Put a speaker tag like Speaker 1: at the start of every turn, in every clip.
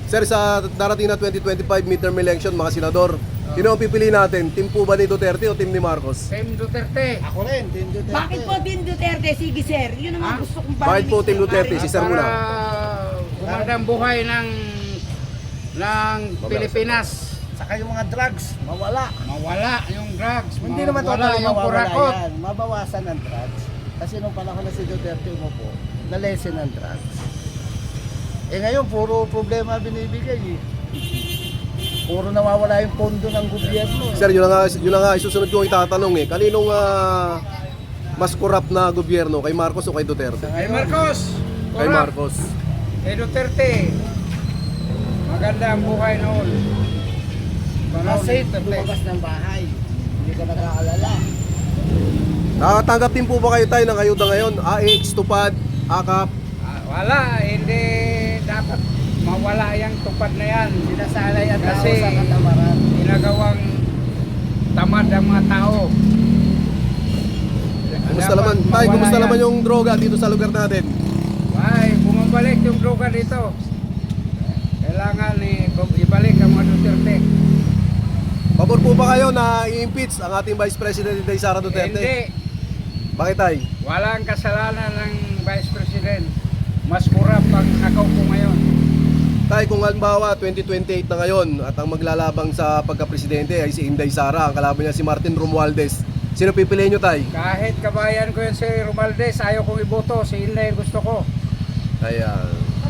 Speaker 1: Sir, sa darating na 2025 midterm election, mga senador, sino ang pipili natin? Team po ba ni Duterte o team ni Marcos?
Speaker 2: Team Duterte.
Speaker 3: Ako rin, Team Duterte.
Speaker 4: Bakit po Team Duterte? Sige sir, yun naman gusto kong
Speaker 1: Bakit po Team Duterte? Si Sir muna.
Speaker 2: Para gumanda ang buhay ng Pilipinas.
Speaker 3: Saka yung mga drugs, mawala.
Speaker 2: Mawala yung drugs.
Speaker 3: Hindi naman
Speaker 2: mawala
Speaker 3: totally
Speaker 2: yung
Speaker 3: mawawala
Speaker 2: kurakot.
Speaker 3: yan. Mabawasan ang drugs. Kasi nung panahon na si Duterte umupo, na-lessen ang drugs. Eh ngayon, puro problema binibigay eh. Puro nawawala yung pondo ng gobyerno.
Speaker 1: Sir, yun na nga isusunod ko itatanong eh. Kaninong mas corrupt na gobyerno? Kay Marcos o kay Duterte?
Speaker 2: Kay Marcos.
Speaker 1: Kay
Speaker 2: corrupt.
Speaker 1: Marcos.
Speaker 2: Kay Duterte. Maganda ang buhay noon.
Speaker 3: Safe, lumabas ng bahay. Hindi ka nakaalala.
Speaker 1: Nakatanggap din po ba kayo tayo ng ayuda ngayon? AX, Tupad, AKAP?
Speaker 2: Wala, hindi dapat mawala yung tupad na yan.
Speaker 3: Sinasanay ang tao
Speaker 2: Kasi
Speaker 3: sa katamaran.
Speaker 2: ginagawang tamad ang mga tao.
Speaker 1: Kumusta
Speaker 2: Dapat
Speaker 1: naman? Tay,
Speaker 2: mawala
Speaker 1: kumusta
Speaker 2: yan.
Speaker 1: naman yung droga dito sa lugar natin?
Speaker 2: Ay, bumabalik yung droga dito. Kailangan ibalik ang mga Duterte.
Speaker 1: Pabor po ba kayo na i-impeach ang ating Vice President Inday Sara Duterte?
Speaker 2: Hindi.
Speaker 1: Bakit tay?
Speaker 2: Walang kasalanan ng Vice President. Mas kurap ang nakaupo ngayon.
Speaker 1: Tay, kung halimbawa 2028 na ngayon at ang maglalabang sa pagka-presidente ay si Inday Sara, ang kalaban niya si Martin Romualdez, sino pipiliin nyo tay?
Speaker 2: Kahit kabayan ko yun si Romualdez, ayaw kong iboto. Si Inday gusto ko.
Speaker 1: Ayan.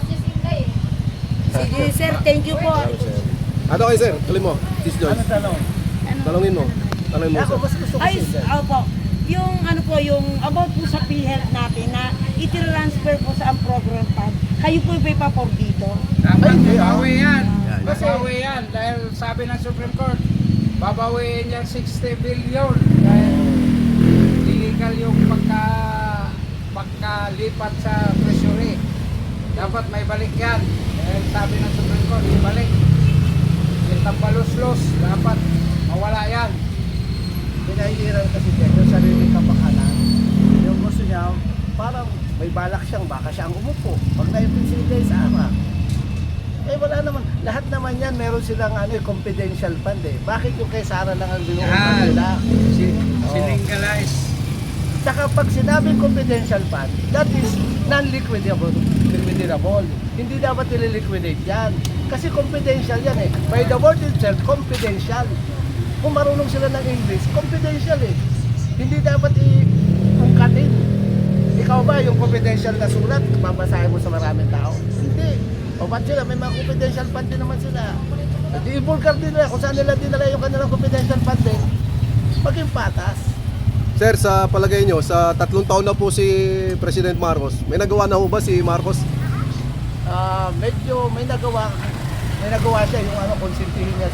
Speaker 4: Sige sir, thank you po.
Speaker 1: Ano kayo sir? Tuloy mo. Sis Joyce.
Speaker 3: Ano tanong?
Speaker 1: Talungin mo. Talungin mo
Speaker 3: Ako
Speaker 1: sir.
Speaker 3: mas gusto ko
Speaker 4: Ay,
Speaker 3: si
Speaker 4: opo. Yung ano po, yung about po sa PhilHealth natin na i-transfer po sa ang program fund. Kayo po yung papor dito.
Speaker 2: Dapat
Speaker 3: Ay,
Speaker 2: babawi yan.
Speaker 1: Yan.
Speaker 2: Babawi yan. Dahil sabi ng Supreme Court, babawiin yan 60 billion. Dahil illegal yung pagkalipat sa treasury. Dapat may balik yan. Dahil sabi ng Supreme Court, ibalik. Yung tambalos-los, dapat mawala yan.
Speaker 3: Pinahihiran kasi din yung sariling kapakanan. Yung gusto niya, parang may balak siyang baka siya ang umupo. Pag na-impeach si Inday Sara. Eh wala naman. Lahat naman yan, meron silang confidential fund eh. Bakit yung kay Sara lang ang binuupan nila?
Speaker 2: Siningalize.
Speaker 3: Saka pag sinabing confidential fund, that is non-liquidable. Hindi dapat nililiquidate yan. Kasi confidential yan eh. By the word itself, confidential. Kung marunong sila ng English, confidential eh. Hindi dapat i-ungkatin. Ikaw ba yung confidential na sulat, babasahin mo sa maraming tao? Hindi. O ba't sila? May mga confidential fund din naman sila. At i-vulgar din nila kung saan nila dinala yung kanilang confidential fund din. Maging patas.
Speaker 1: Sir, sa palagay nyo, sa 3 taon na po si President Marcos, may nagawa na ho ba si Marcos?
Speaker 3: Medyo may nagawa siya yung konsintihin niya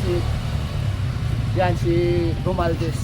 Speaker 3: si Romualdez.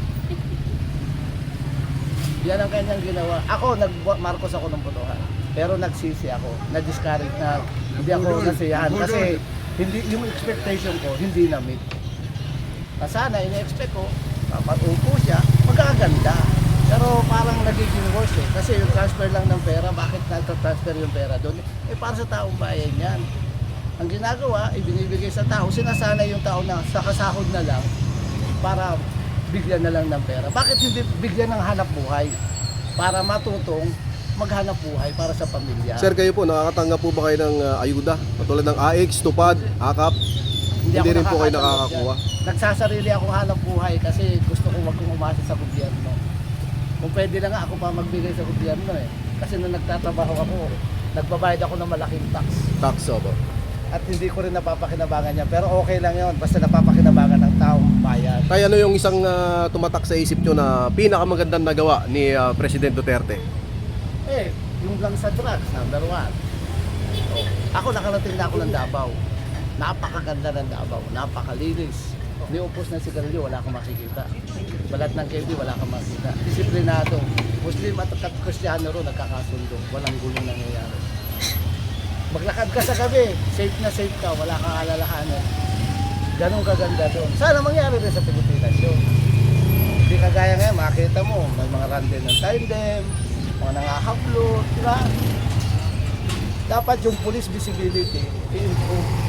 Speaker 3: Yan ang kanyang ginawa. Ako, Marcos ako ng botohan. Pero nagsisi ako. Na-discourage na hindi ako nasiyahan. Kasi hindi, yung expectation ko, hindi na-meet. Sana, ina-expect ko, papatupo siya, magaganda. Pero parang nagiging worse eh. Kasi yung transfer lang ng pera, bakit nagtatransfer yung pera doon? Eh para sa taong bayan yan. Ang ginagawa, ibinibigay sa tao, sinasanay yung tao na sa kasahod na lang para bigyan na lang ng pera. Bakit hindi bigyan ng hanap buhay? Para matutong maghanap buhay para sa pamilya.
Speaker 1: Sir, kayo po, nakakatanggap po ba kayo ng ayuda? Patulad ng AX, Tupad, AKAP? Hindi
Speaker 3: ako
Speaker 1: rin po kayo
Speaker 3: nakakatanggap
Speaker 1: nakakakuha?
Speaker 3: yan. Nagsasarili akong hanap buhay kasi gusto ko wag kong umasa sa gobyerno. Kung pwede lang nga ako pa magbigay sa gobyerno eh. Kasi nung nagtatrabaho ako, nagbabayad ako ng malaking tax.
Speaker 1: Tax, opo.
Speaker 3: At hindi ko rin napapakinabangan niya. Pero okay lang yon basta napapakinabangan ng taong bayan.
Speaker 1: Kaya ano yung isang tumatak sa isip nyo na pinakamagandang nagawa ni President Duterte?
Speaker 3: Eh, yung lang sa drugs, number 1. Ako nakarating na ako ng Davao. Napakaganda ng Davao, napakalinis. Niupos na sigarilyo, wala kang makikita. Balat ng candy, wala kang makikita. Disiplinado. Muslim at Kristiyano ro nagkakasundo. Walang gulong nangyayari. Maglakad ka sa gabi, safe na safe ka, wala kang alalahanin. Ganun kaganda doon. Sana mangyari rin sa Pilipinas yun. Hindi kagaya ngayon, makita mo, may mga random ng tandem, mga nangahablot, diba? Dapat yung police visibility, i-improve.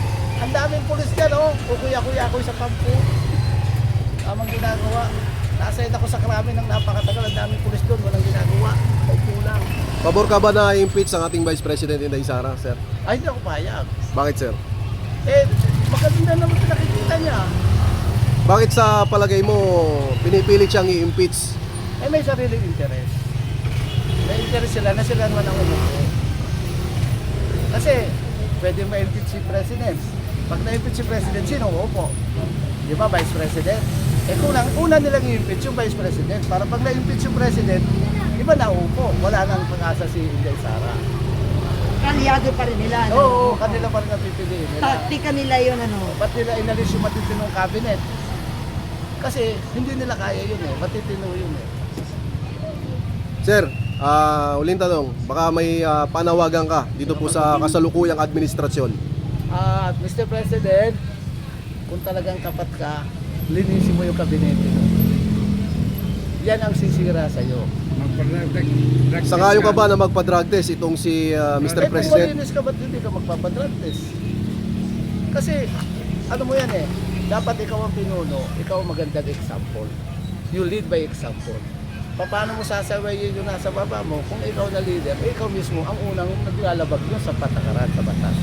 Speaker 3: Ang daming pulis dyan, oh. Kukuya-kuya ako sa kampo. Tamang ginagawa. Nasayad ako sa krami ng napakatagal. Ang daming pulis doon, walang ginagawa. Ay kulang.
Speaker 1: Pabor ka ba na impeach ang ating Vice President Inday Sara, sir?
Speaker 3: Ay, hindi ako payag.
Speaker 1: Bakit, sir?
Speaker 3: Eh, maganda naman pinakikita niya.
Speaker 1: Bakit sa palagay mo pinipilit siyang i-impeach?
Speaker 3: Eh, may sariling interest. May interest sila na sila naman ang umupo. Kasi, pwede ma-impeach si President. Pag na-impeach si President, sino uupo? Di ba, Vice President? Eh, una nilang i-impeach yung Vice President. Para pag na-impeach yung President, iba na uupo. Wala nang pag-asa si Inday Sara.
Speaker 4: Kalyado pa rin nila. ano?
Speaker 3: Oo, kanila pa rin ang pipiliin nila.
Speaker 4: Taktika nila yun, ano.
Speaker 3: Ba't nila inalis yung matitinong cabinet? Kasi hindi nila kaya yun eh. Matitino yun eh.
Speaker 1: Sir, uling tanong, baka may panawagan ka dito po sa kasalukuyang administrasyon.
Speaker 3: At Mr. President, kung talagang tapat ka, linisin mo yung kabinete mo. Yan ang sisira sa'yo.
Speaker 1: Sangayo ka ba na magpa-drug test itong si Mr.
Speaker 3: Kung
Speaker 1: President?
Speaker 3: malinis ka, ba't hindi ka magpapadrag test? Kasi, ano mo yan eh, dapat ikaw ang pinuno, ikaw ang magandang example. You lead by example. Paano mo sasawayin yung nasa baba mo kung ikaw na leader, ikaw mismo ang unang naglalabag yun sa patakaran sa batas.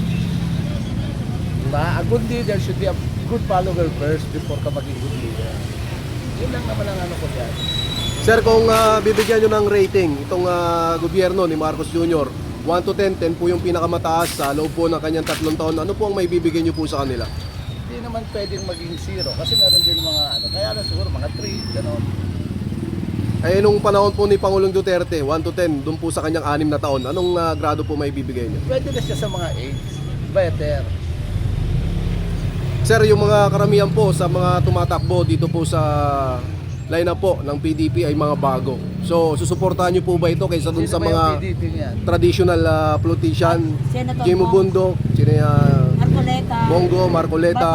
Speaker 3: Diba? A good leader should be a good follower first before ka maging good leader. Yun lang naman ang ano ko dyan.
Speaker 1: Sir, kung bibigyan nyo ng rating itong gobyerno ni Marcos Jr., 1 to 10, 10 po yung pinakamataas sa loob po ng kanyang 3 taon. Ano po ang may bibigyan nyo po sa kanila?
Speaker 3: Hindi naman pwedeng maging 0 kasi meron din mga ano, kaya na siguro mga 3, gano'n.
Speaker 1: Eh, nung panahon po ni Pangulong Duterte, 1 to 10, doon po sa kanyang 6 na taon, anong grado po may bibigay nyo?
Speaker 3: Pwede na siya sa mga 8, better.
Speaker 1: Sir, yung mga karamihan po sa mga tumatakbo dito po sa lineup po ng PDP ay mga bago. So, susuportahan nyo po ba ito kaysa dun sa
Speaker 3: Sino ba yung
Speaker 1: mga
Speaker 3: PDP niyan?
Speaker 1: traditional politician?
Speaker 4: Senator
Speaker 1: Jimmy
Speaker 4: Bong,
Speaker 1: Bundok, sino
Speaker 4: Marcoleta,
Speaker 1: Bongo, Marcoleta.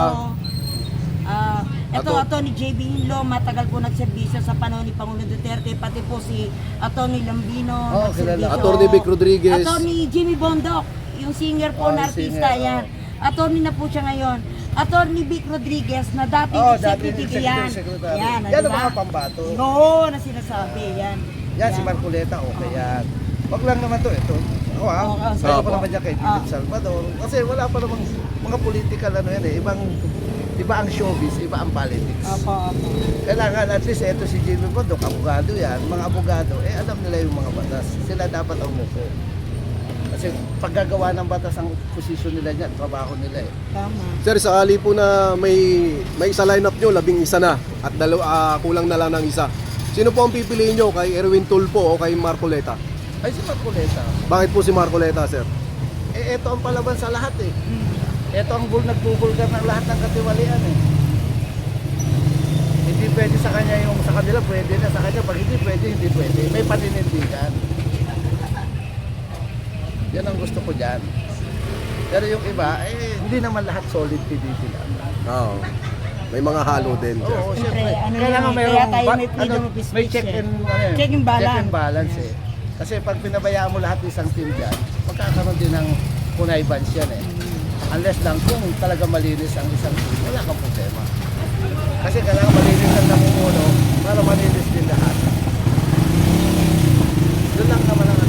Speaker 4: Ito, Atty. JB Hinlo, matagal po nagserbisyo sa panahon ni Pangulong Duterte, pati po si Atty. Lambino,
Speaker 3: Oh, kilala.
Speaker 1: Atty. Vic Rodriguez.
Speaker 4: Atty. Jimmy Bondok, yung singer po
Speaker 3: Oh,
Speaker 4: na
Speaker 3: yung
Speaker 4: artista,
Speaker 3: singer,
Speaker 4: yan. Atty. na po siya ngayon. Atty. Vic Rodriguez, na dating executive yan. Yan,
Speaker 3: Yan ang
Speaker 4: diba?
Speaker 3: mga pambato.
Speaker 4: Oo, na sinasabi, yan.
Speaker 3: Yan, si Marcoleta, okay yan. Wag lang naman to, ito. Ako ha,
Speaker 4: Oo,
Speaker 3: sayo ko
Speaker 1: opo.
Speaker 3: naman dyan kay Philip Salvador. Kasi wala pa namang mga political ano yan eh. Iba ang showbiz, iba ang politics.
Speaker 4: Opo.
Speaker 3: Kailangan at least ito si Jimmy Bondok, abogado yan. Mga abogado, alam nila yung mga batas. Sila dapat ang umupo. Kasi paggagawa ng batas ang posisyon nila dyan, trabaho nila eh.
Speaker 4: Tama.
Speaker 1: Sir, sakali po na may isa lineup nyo, 11 na at kulang na lang ng isa. Sino po ang pipiliin nyo? Kay Erwin Tulfo o kay Marcoleta?
Speaker 3: Ay si Marcoleta,
Speaker 1: Bakit po si Marcoleta, sir?
Speaker 3: eh ito ang palaban sa lahat eh. Ito ang nagbubulgar ng lahat ng katiwalian eh. Hindi pwede sa kanya yung sa kanila pwede na, sa kanya pag hindi pwede, hindi pwede. May paninindigan. Yan ang gusto ko dyan. Pero yung iba, hindi naman lahat solid PDP lang.
Speaker 1: Oo. May mga halo din. Sir.
Speaker 3: Oo,
Speaker 4: Siyempre,
Speaker 3: syempre.
Speaker 4: ano
Speaker 3: Kailangan
Speaker 4: yun,
Speaker 3: mayroong
Speaker 4: kaya tayo may freedom of
Speaker 3: may
Speaker 4: speech
Speaker 3: check
Speaker 4: eh.
Speaker 3: and, ano, yun,
Speaker 4: Check and balance.
Speaker 3: Check and balance eh. Kasi pag pinabayaan mo lahat ng isang team dyan, magkakaroon din ng connivances yan eh. Unless lang kung talaga malinis ang isang team, wala kang problema. Kasi kailangan malinis ang namumuno para malinis din lahat. Yun lang naman ang